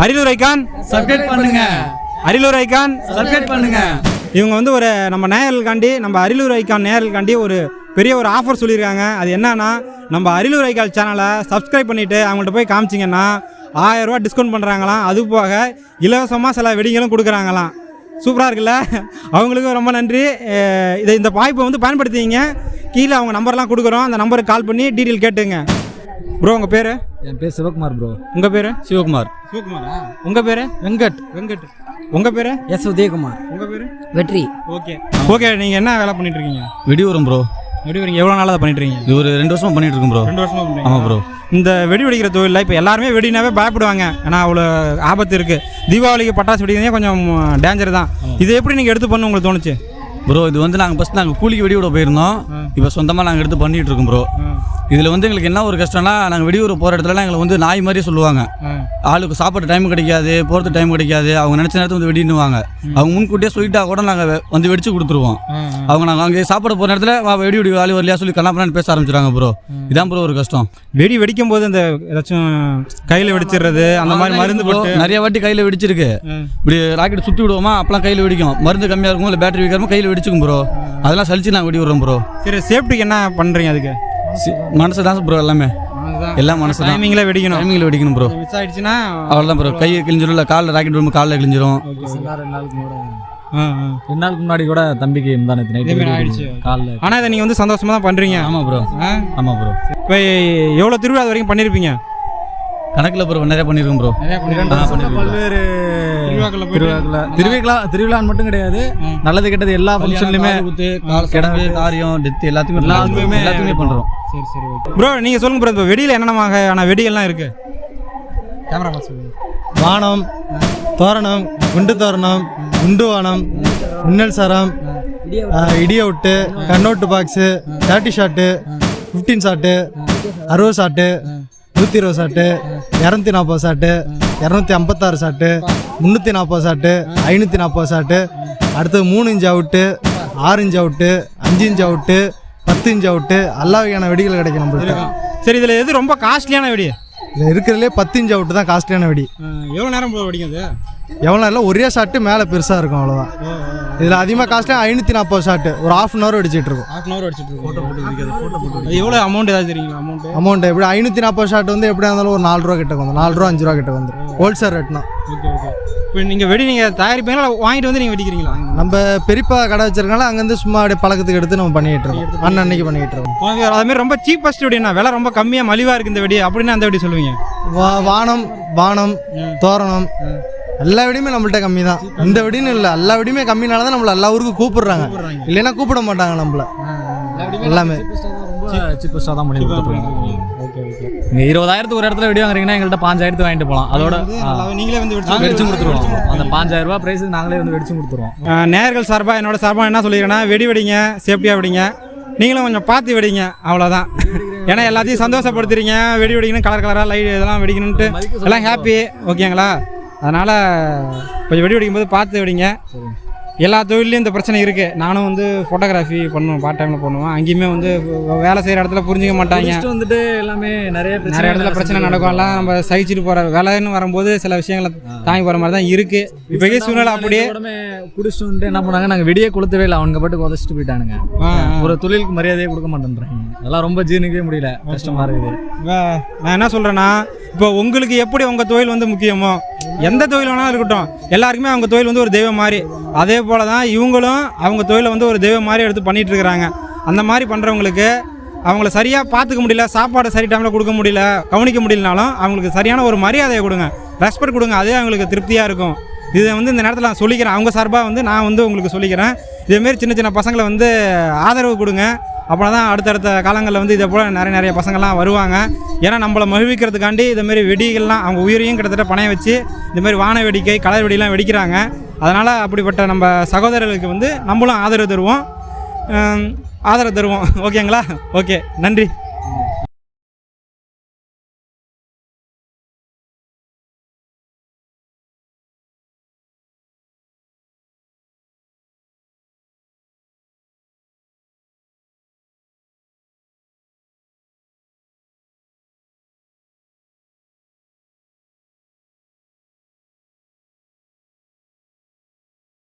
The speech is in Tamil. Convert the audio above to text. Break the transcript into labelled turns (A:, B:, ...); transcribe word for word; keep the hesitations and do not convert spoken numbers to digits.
A: அரியலூர் ஐகான்
B: சப்ஸ்கிரைப் பண்ணுங்க.
A: அரியலூர் ஐகான்
B: சப்ஸ்கிரைப் பண்ணுங்க.
A: இவங்க வந்து ஒரு நம்ம நேயர்களுக்காண்டி நம்ம அரியலூர் ஐகான் நேயர்களுக்காண்டி ஒரு பெரிய ஒரு ஆஃபர் சொல்லியிருக்காங்க. அது என்னன்னா, நம்ம அரியலூர் ஐகான் சேனலை சப்ஸ்கிரைப் பண்ணிவிட்டு அவங்கள்ட்ட போய் காமிச்சிங்கன்னா ஆயிரம் ரூபா டிஸ்கவுண்ட் பண்ணுறாங்களாம். அது போக இலவசமாக சில வெடிங்களும் கொடுக்குறாங்களாம். சூப்பராக இருக்குல்ல? அவங்களுக்கும் ரொம்ப நன்றி. இதை இந்த வாய்ப்பை வந்து பயன்படுத்திங்க. கீழே அவங்க நம்பர்லாம் கொடுக்குறோம். அந்த நம்பருக்கு கால் பண்ணி டீட்டெயில் கேட்டுங்க. ப்ரோ உங்கள் பேர்?
B: என் பேர் சிவகுமார் ப்ரோ.
A: உங்கள் பேர்?
B: சிவகுமார்.
A: சிவகுமாரா? உங்கள் பேர்?
B: வெங்கட்.
A: வெங்கட். உங்கள் பேர்?
B: எஸ் உதயகுமார்.
A: உங்கள் பேர்?
B: வெற்றி.
A: Okay okay. நீங்கள் என்ன வேலை பண்ணிட்டு இருக்கீங்க?
C: வெடி வரும் ப்ரோ.
A: வெடி வரீங்க எவ்வளோ நாளாக பண்ணிட்டு இருக்கீங்க?
C: இது ஒரு ரெண்டு வருஷமாக பண்ணிட்டு இருக்கோம் ப்ரோ.
A: ரெண்டு வருஷமாக பண்ணுறீங்க?
C: ஆமாம் ப்ரோ.
A: இந்த வெடி வெடிக்கிற தொழிலில் இப்போ எல்லாருமே வெடினாவே பயப்படுவாங்க. ஏன்னா அவ்வளோ ஆபத்து இருக்குது. தீபாவளிக்கு பட்டாசு வெடிக்கிறதே கொஞ்சம் டேஞ்சர் தான். இது எப்படி நீங்கள் எடுத்து பண்ண உங்களுக்கு தோணுச்சு?
C: ப்ரோ இது வந்து நாங்கள் ஃபஸ்ட் நாங்கள் கூலிக்கு வெடி விட போயிருந்தோம். இப்போ சொந்தமாக நாங்கள் எடுத்து பண்ணிகிட்டு இருக்கோம் ப்ரோ. இதில் வந்து எங்களுக்கு என்ன ஒரு கஷ்டம்னா, நாங்கள் வெடி விட போகிற இடத்துலலாம் எங்களுக்கு வந்து நாய் மாதிரியே சொல்லுவாங்க. ஆளுக்கு சாப்பாடு டைம் கிடைக்காது, போகிறது டைம் கிடைக்காது. அவங்க நினச்ச நேரத்தில் வந்து வெடினுவாங்க. அவங்க முன்கூட்டியே சொல்லிட்டா கூட நாங்கள் வந்து வெடிச்சு கொடுத்துருவோம். அவங்க நாங்கள் அங்கே சாப்பிட போகிற இடத்துல வெடி வெடி ஆளு வரலையா சொல்லி கண்ணாப்பண்ணு பேச ஆரம்பிச்சிடுறாங்க ப்ரோ. இதான் ப்ரோ ஒரு கஷ்டம்.
A: வெடி வெடிக்கும் போது இந்த ஏதாச்சும் கையில் வெடிச்சிடுறது அந்த மாதிரி மருந்து போட்டு
C: நிறைய வாட்டி கையில் வெடிச்சிருக்கு. இப்படி ராக்கெட் சுற்றி விடுவோமா, அப்பெல்லாம் கையில் வெடிக்கும். மருந்து கம்மியாக இருக்கும், இல்லை பேட்டரி வைக்காம கையில் வெடிச்சுக்கும் ப்ரோ. அதெல்லாம் சலிச்சு நாங்கள் வெடி விடுறோம் ப்ரோ.
A: சரி, சேஃப்டிக்கு என்ன பண்ணுறீங்க? அதுக்கு
C: மனசு தான் ப்ரோ. எல்லாமே எல்லாம் மனசு தான்.
A: டைமிங்கில் வெடிக்கணும்.
C: டைமிங்கில் வெடிக்கணும் ப்ரோ.
A: மிஸ் ஆகிடுச்சுன்னா
C: அவ்வளோதான் ப்ரோ. கை கிழிஞ்சிடும், இல்லை காலில் ராக்கெட் விடும் காலில் கிழிஞ்சிரும்.
B: ரெண்டு நாளுக்கு ரெண்டு நாளுக்கு முன்னாடி கூட தம்பிக்கு இருந்தானே
A: ஆயிடுச்சு
B: காலில்.
A: ஆனால் இதை நீங்கள் வந்து சந்தோஷமாக தான் பண்ணுறீங்க.
C: ஆமாம் ப்ரோ. ஆமாம் ப்ரோ.
A: இப்போ எவ்வளோ திருவிழா வரைக்கும் பண்ணியிருப்பீங்க?
C: கணக்கில் ப்ரோ நிறைய பண்ணியிருக்கோம் ப்ரோ.
B: பல்வேறு திருவிழா திருவிழா திருவிழான்னு மட்டும் கிடையாது, நல்லது கெட்டது எல்லா ஃபங்க்ஷன்லையுமே
C: கிடங்கு காரியம் டெத்து எல்லாத்துக்குமே எல்லாத்துக்குமே எல்லாத்துக்குமே பண்ணுறோம்.
A: சரி சரி ஓகே ப்ரோ. நீங்கள் சொல்லுங்கள் ப்ரோ, இப்போ வெடியில் என்னென்ன வகையான வெடிகள்லாம் இருக்குது? கேமரா பார்த்து சொல்லுங்கள்.
D: வானம், தோரணம், குண்டு தோரணம், குண்டு வானம், மின்னல் சரம், இடியவுட்டு, கண்ணோட்டு box, thirty shot, fifteen shot, அறுபது ஷாட்டு, நூற்றி இருபது ஷாட்டு, இரநூத்தி நாற்பது ஷாட்டு, இரநூத்தி ஐம்பத்தாறு ஷாட்டு, முந்நூற்றி நாற்பது ஷாட்டு, ஐநூற்றி நாற்பது ஷாட்டு, அடுத்தது மூணு இன்ச் அவுட்டு, ஆறு இன்ச் அவுட்டு, அஞ்சு இன்ச் அவுட்டு, பத்து இன்ச் அவுட்டு, எல்லா வகையான வெடிகள் கிடைக்கும் நம்மள்கிட்ட.
A: சரி, இதில் எது ரொம்ப காஸ்ட்லியான வெடி?
D: இதில் இருக்கிறதுலே பத்து இன்ச் அவுட்டு தான் காஸ்ட்லியான வெடி.
A: எவ்வளோ நேரம் போல வெடிக்கும் அது?
D: எவ்வளோ நேரம் ஒரே ஷாட்டு மேலே பெருசாக இருக்கும், அவ்வளோதான். இதில் அதிகமாக காஸ்ட்லியாக ஐநூற்றி நாற்பது ஷாட்டு ஒரு ஆஃப் அன் ஹவர் அடிச்சிட்டு இருக்கும்.
A: ஹாஃப் அன் ஹவர் அடிச்சிட்டு இருக்கும். ஃபோட்டோ போட்டு ஃபோட்டோ போட்டு எவ்வளோ அமௌண்ட் ஏதாவது தெரியுங்களா? அமௌண்ட்
D: அமௌண்ட் எப்படி ஐநூற்றி நாற்பது ஷாட் வந்து எப்படியா இருந்தாலும் ஒரு நாலு ரூபா கிட்ட வந்து நாலு ரூபா அஞ்சு ரூபா கிட்ட வந்து ஹோல்சேல் ரேட்னா.
A: Okay okay. இப்போ நீங்கள் வெடி நீங்கள் தயாரிப்பீங்களா, வாங்கிட்டு வந்து நீங்கள் வெடிக்கிறீங்களா?
D: நம்ம பெரியப்பா கடை வச்சிருக்கனால அங்கேருந்து சும்மா அப்படியே பழக்கத்துக்கு எடுத்து நம்ம பண்ணிகிட்டு இருக்கோம். அண்ணன் அன்னைக்கு பண்ணிகிட்டு இருக்கோம்.
A: அதுமாதிரி ரொம்ப சீப்பஸ்ட் வெடினா விலை ரொம்ப கம்மியாக மலிவாக இருக்குது இந்த வெடி அப்படின்னா அந்த வெடி சொல்லுவீங்க?
D: வா வானம் வானம் தோரணம் எல்லா வெடியுமே நம்மள்ட்ட கம்மி தான். இந்த வெடின்னு இல்லை, எல்லா வெடியுமே கம்மினால தான் நம்மளை எல்லா ஊருக்கும் கூப்பிடுறாங்க. இல்லைன்னா கூப்பிட மாட்டாங்க நம்மள. எல்லாமே
B: சீப்பஸ்டாக தான் பண்ணி கொடுத்துருக்காங்க. Okay okay. நீங்கள் இருபதாயிரத்துக்கு ஒரு இடத்துல வெடி வாங்குறீங்கன்னா எங்கள்கிட்ட பாஞ்சாயிரத்து வாங்கிட்டு போகலாம். அதோட
A: நீங்களே வந்து
B: வெடிச்சு கொடுத்துருவோம். அந்த பாஞ்சாயிரம் ரூபா ப்ரைஸுக்கு நாங்களே வந்து வெடிச்சு கொடுத்துருவோம்.
A: நேயர்கள் சார்பாக என்னோட சார்பாக என்ன சொல்லிக்கிறேன்னா, வெடி வெடிங்க, சேஃப்டியாக வெடிங்க, நீங்களும் கொஞ்சம் பார்த்து வெடிங்க, அவ்வளோதான். ஏன்னா எல்லாத்தையும் சந்தோஷப்படுத்துறீங்க. வெடி வெடிக்கணும், கலர் கலராக லைட் இதெல்லாம் வெடிக்கணுன்ட்டு எல்லாம் ஹாப்பி. ஓகேங்களா? அதனால் கொஞ்சம் வெடி வெடிக்கும் போது பார்த்து வெடிங்க. எல்லா தொழிலையும் இந்த பிரச்சனை இருக்குது. நானும் வந்து ஃபோட்டோகிராஃபி பண்ணுவேன், பார்ட் டைமில் பண்ணுவேன். அங்கேயுமே வந்து வேலை செய்கிற இடத்துல புரிஞ்சிக்க மாட்டாங்க.
B: வந்துட்டு எல்லாமே நிறைய
A: நிறைய இடத்துல பிரச்சனை நடக்கும். எல்லாம் நம்ம சகிச்சுட்டு போகிற வேலைன்னு வரும்போது சில விஷயங்களை தாங்கி போகிற மாதிரி தான் இருக்குது. இப்போக்கே சூழ்நிலை அப்படியே
B: குடிச்சிட்டு வந்துட்டு என்ன பண்ணாங்க, நாங்கள் வெடியே கொளுத்தவே இல்லை, அவங்க பாட்டுக்கு உதச்சிட்டு போயிட்டானுங்க. ஒரு தொழிலுக்கு மரியாதையே கொடுக்க மாட்டேன்றாங்க. அதெல்லாம் ரொம்ப ஜீர்ணிக்கவே முடியல, கஷ்டமாக இருக்குது.
A: நான் என்ன சொல்கிறேன்னா, இப்போ உங்களுக்கு எப்படி உங்கள் தொழில் வந்து முக்கியமோ, எந்த தொழில் வேணாலும் இருக்கட்டும், எல்லாருக்குமே அவங்க தொழில் வந்து ஒரு தெய்வம் மாதிரி. அதே போல் தான் இவங்களும் அவங்க தொழிலை வந்து ஒரு தெய்வம் மாதிரி எடுத்து பண்ணிகிட்டு இருக்கிறாங்க. அந்த மாதிரி பண்ணுறவங்களுக்கு அவங்கள சரியாக பார்த்துக்க முடியல, சாப்பாடு சரி டைமில் கொடுக்க முடியல, கவனிக்க முடியலனாலும் அவங்களுக்கு சரியான ஒரு மரியாதையை கொடுங்க, ரெஸ்பெக்ட் கொடுங்க. அதே அவங்களுக்கு திருப்தியாக இருக்கும். இதை வந்து இந்த நேரத்தில் நான் சொல்லிக்கிறேன். அவங்க சார்பாக வந்து நான் வந்து உங்களுக்கு சொல்லிக்கிறேன். இதேமாரி சின்ன சின்ன பசங்களை வந்து ஆதரவு கொடுங்க. அப்போ தான் அடுத்தடுத்த காலங்களில் வந்து இதை போல் நிறைய நிறைய பசங்கள்லாம் வருவாங்க. ஏன்னா நம்மளை மகிழ்விக்கிறதுக்காண்டி இதுமாரி வெடிகள்லாம் அவங்க உயிரையும் கிட்டத்தட்ட பணைய வச்சு இதுமாரி வான வேடிக்கை, கலர் வெடிலாம் வெடிக்கிறாங்க. அதனால் அப்படிப்பட்ட நம்ம சகோதரர்களுக்கு வந்து நம்மளும் ஆதரவு தருவோம் ஆதரவு தருவோம் ஓகேங்களா? ஓகே, நன்றி.